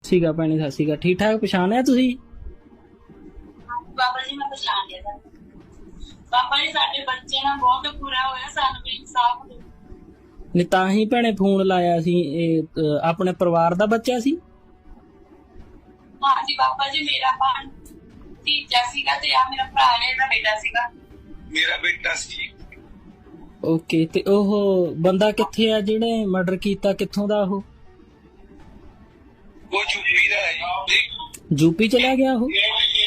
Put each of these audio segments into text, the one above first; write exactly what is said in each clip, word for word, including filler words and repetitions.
ਸੀਗਾ ਭੈਣੇ, ਸਤਿ ਸ਼੍ਰੀ ਅਕਾਲ। ਠੀਕ ਠਾਕ ਪਛਾਣਿਆ ਤੁਸੀਂ? ਬਾਬਾ ਜੀ ਮੈਂ ਪਛਾਣ ਲਿਆ ਸਰ। ਬਾਬਾ ਜੀ ਸਾਡੇ ਬੱਚੇ ਨਾਲ ਬਹੁਤ ਬੁਰਾ ਹੋਇਆ, ਸਾਨੂੰ ਵੀ ਇਨਸਾਫ ਦਿਓ। ਨਹੀਂ ਤਾਂ ਹੀ ਭੈਣੇ ਫੋਨ ਲਾਇਆ ਸੀ। ਇਹ ਅਹ, ਆਪਣੇ ਪਰਿਵਾਰ ਦਾ ਬੱਚਾ ਸੀ? ਹਾਂਜੀ ਬਾਬਾ ਜੀ, ਮੇਰਾ ਭਾਣ ਤੀਜਾ ਸੀਗਾ ਤੇ ਆ ਮੇਰਾ ਭਰਾ ਨੇ ਇਹਦਾ ਬੇਟਾ ਸੀਗਾ। ਮੇਰਾ ਬੇਟਾ ਸੀ। ਓਕੇ, ਤੇ ਉਹ ਬੰਦਾ ਕਿੱਥੇ ਆ ਜਿਹਨੇ ਮਰਡਰ ਕੀਤਾ? ਕਿੱਥੋਂ ਦਾ ਉਹ? ਉਹ ਯੂਪੀ ਦਾ ਹੈ ਜੀ। ਯੂਪੀ ਚਲਾ ਗਿਆ ਉਹ?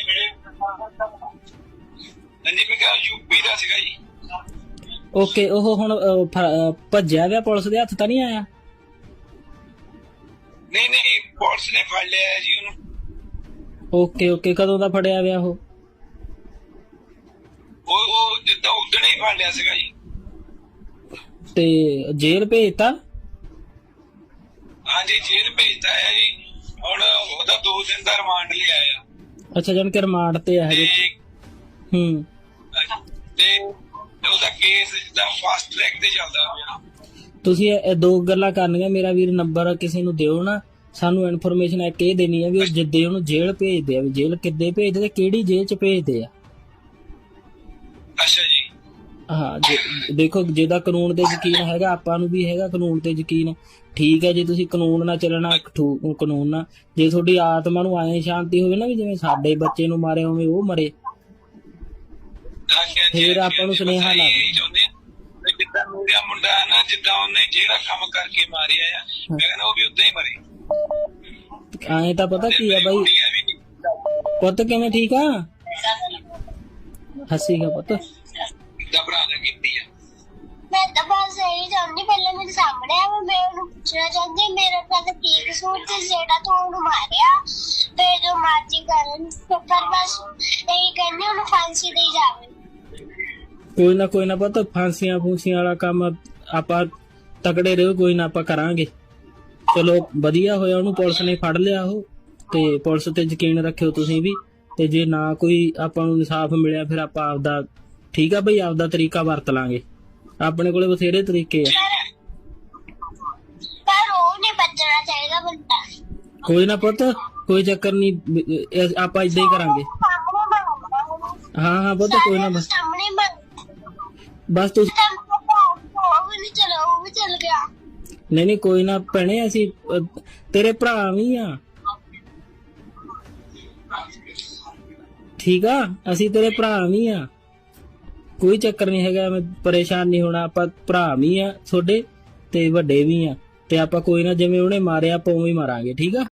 ਹਾਂਜੀ ਮੈਂ ਕਿਹਾ ਯੂਪੀ ਦਾ ਸੀਗਾ ਜੀ। ਓਕੇ, ਉਹ ਹੁਣ ਅਹ, ਫ- ਅਹ, ਭੱਜਿਆ ਗਿਆ? ਪੁਲਿਸ ਦੇ ਹੱਥ ਤਾਂ ਨਹੀਂ ਆਇਆ? ਨਹੀਂ ਨਹੀਂ ਪੁਲਿਸ ਨੇ ਫੜ ਲਿਆ ਹੈ ਜੀ ਉਹਨੂੰ। ਓਕੇ ਓਕੇ, ਕਦੋਂ ਦਾ ਫੜਿਆ ਗਿਆ ਉਹ? ਉਹ ਉਹ ਜਿੱਦਾਂ ਉਦਣ ਹੀ ਫੜ ਲਿਆ ਸੀਗਾ ਜੀ। ਤੇ ਜੇਲ੍ਹ ਭੇਜਤਾ? ਹਾਂਜੀ ਜੇਲ੍ਹ ਭੇਜਤਾ ਹੈ ਜੀ। ਹੁਣ ਉਹਦਾ ਦੋ ਦਿਨ ਦਾ ਰਿਮਾਂਡ ਲਿਆ ਆ। ਅੱਛਾ, ਜਾਨ ਕਿ ਰਿਮਾਂਡ ਤੇ ਆ ਹਜੇ? ਤੇ ਹੂੰ। ਤੇ ਉਹਦਾ ਕੇਸ ਜਿੱਦਾਂ ਫਾਸਟ ਟਰੈਕ ਤੇ ਚੱਲਦਾ ਪਿਆ। ਤੁਸੀਂ ਇਹ ਇਹ ਦੋ ਗੱਲਾਂ ਕਰਨੀਆਂ। ਮੇਰਾ ਵੀਰ ਨੰਬਰ ਕਿਸੇ ਨੂੰ ਦਿਓ ਨਾ, ਸਾਨੂੰ ਇਨਫੋਰਮੇਸ਼ਨ ਇੱਕ ਇਹ ਦੇਣੀ ਆ ਵੀ ਉਹ ਜਿੱਦੇ ਉਹਨੂੰ ਜੇਲ੍ਹ ਭੇਜਦੇ ਆ, ਵੀ ਜੇਲ੍ਹ ਕਿੱਦੇ ਭੇਜਦੇ ਤੇ ਕਿਹੜੀ ਜੇਲ੍ਹ ਚ ਭੇਜਦੇ ਆ। ਅੱਛਾ ਜੀ। ਹਾਂ, ਜੇ- ਦੇਖੋ ਜਿਹਦਾ ਕਾਨੂੰਨ ਤੇ ਯਕੀਨ ਹੈਗਾ, ਆਪਾਂ ਨੂੰ ਵੀ ਹੈਗਾ ਕਾਨੂੰਨ ਤੇ ਯਕੀਨ। ਠੀਕ ਹੈ, ਜੇ ਤੁਸੀਂ ਕਾਨੂੰਨ ਨਾਲ ਚੱਲਣਾ, ਠੂ- ਕਾਨੂੰਨ ਨਾਲ। ਜੇ ਤੁਹਾਡੀ ਆਤਮਾ ਨੂੰ ਐਂ ਸ਼ਾਂਤੀ ਹੋਵੇ ਨਾ ਵੀ ਜਿਵੇਂ ਸਾਡੇ ਬੱਚੇ ਨੂੰ ਮਾਰੇ ਉਵੇਂ ਉਹ ਮਰੇ, ਹਾਂਜੀ, ਹਾਂਜੀ, ਫਿਰ ਹਾਂਜੀ, ਆਪਾਂ ਨੂੰ ਹਾਂਜੀ, ਸੁਨੇਹਾ ਬਸ ਲਾ ਇਹੀ ਚਾਹੁੰਦੇ ਆ ਵੀ ਜਿੱਦਾਂ ਮੇਰਾ ਮੁੰਡਾ ਹੈ ਨਾ, ਜਿੱਦਾਂ ਉਹਨੇ ਜਿਹੜਾ ਕੰਮ ਕਰਕੇ ਮਾਰਿਆ ਆ, ਮੈਂ ਕਹਿੰਦਾ ਉਹ ਵੀ ਉਦਾਂ ਹੀ ਮਰੇ। ਐਂ ਤਾਂ ਪਤਾ ਕੀ ਆ ਬਾਈ। ਕੁੜੀਆਂ ਵੀ ਨਹੀਂ। ਪੁੱਤ ਕਿਵੇਂ? ਠੀਕ ਆ? ਹੱਸੀਗਾ ਪੁੱਤ? ਦਾ ਭਰਾ ਨੇ ਕੀਤੀ ਆ। ਮੈਂ ਤਾਂ ਬਸ ਇਹੀ ਚਾਹੁੰਦੀ, ਪਹਿਲਾਂ ਮੇਰੇ ਸਾਹਮਣੇ ਆ, ਮੈਂ ਉਹਨੂੰ ਪੁੱਛਣਾ ਚਾਹੁੰਦੀ ਮੇਰੇ ਨਾਲ ਕੀ ਕਸੂਰ ਤੇ ਜਿਹੜਾ ਤੂੰ ਉਹਨੂੰ ਮਾਰਿਆ ਤੇ ਜੋ ਮਰਜ਼ੀ ਕਰਨ, ਪਰ ਬਸ ਇਹੀ ਕਹਿੰਦੀ ਉਹਨੂੰ ਫਾਂਸੀ ਦੇਈ ਜਾਵੇ। ਕੋਈ ਨਾ ਕੋਈ ਨਾ ਪੁੱਤ, ਫਾਂਸੀਆਂ ਫੂਸੀਆਂ ਵਾਲਾ ਕੰਮ ਆਪਾਂ ਤਕੜੇ ਰਹੋ, ਕੋਈ ਨਾ ਆਪਾਂ ਕਰਾਂਗੇ। ਚਲੋ ਵਧੀਆ ਹੋਇਆ ਉਹਨੂੰ ਪੁਲਿਸ ਨੇ ਫੜ ਲਿਆ ਉਹ, ਤੇ ਪੁਲਿਸ ਤੇ ਯਕੀਨ ਰੱਖਿਓ ਤੁਸੀਂ ਵੀ। ਤੇ ਜੇ ਨਾ ਕੋਈ ਆਪਾਂ ਨੂੰ ਇਨਸਾਫ ਮਿਲਿਆ ਫਿਰ ਆਪਾਂ ਆਪਦਾ, ਠੀਕ ਆ ਬਈ, ਆਪਦਾ ਤਰੀਕਾ ਵਰਤ ਲਾਂਗੇ। ਆਪਣੇ ਕੋਲੇ ਬਥੇਰੇ ਤਰੀਕੇ ਆ। ਪਰ ਉਹ ਨਹੀਂ ਬਚਣਾ ਚਾਹੀਦਾ ਬੰਦਾ। ਕੋਈ ਨਾ ਪੁੱਤ, ਕੋਈ ਚੱਕਰ ਨਹੀਂ, ਆਪਾਂ ਏਦਾਂ ਹੀ ਕਰਾਂਗੇ। ਸਾਹਮਣੇ ਮੰਗਦਾ ਹਾਂ ਹਾਂ ਪੁੱਤ, ਕੋਈ ਨਾ, ਬਸ ਸਾਹਮਣੇ ਮੰਗ ਬਸ ਤੁਸੀਂ। ਉਹ ਵੀ ਨਹੀਂ ਚਲਾ, ਉਹ ਵੀ ਚਲ ਗਿਆ। ਨਹੀਂ ਨਹੀਂ ਕੋਈ ਨਾ ਭੈਣੇ, ਅਸੀਂ ਅਹ, ਤੇਰੇ ਭਰਾ ਵੀ ਆ। ਠੀਕ ਆ, ਅਸੀਂ ਤੇਰੇ ਭਰਾ ਵੀ ਆ, ਕੋਈ ਚੱਕਰ ਨਹੀਂ ਹੈਗਾ। ਮੈਂ ਪਰੇਸ਼ਾਨ ਨਹੀਂ ਹੋਣਾ, ਆਪਾਂ ਭਰਾ ਵੀ ਆ ਤੁਹਾਡੇ ਤੇ ਵੱਡੇ ਵੀ ਆ। ਤੇ ਆਪਾਂ ਕੋਈ ਨਾ, ਜਿਵੇਂ ਉਹਨੇ ਮਾਰਿਆ ਆਪਾਂ ਉਵੇਂ ਹੀ ਮਾਰਾਂਗੇ। ਠੀਕ ਆ?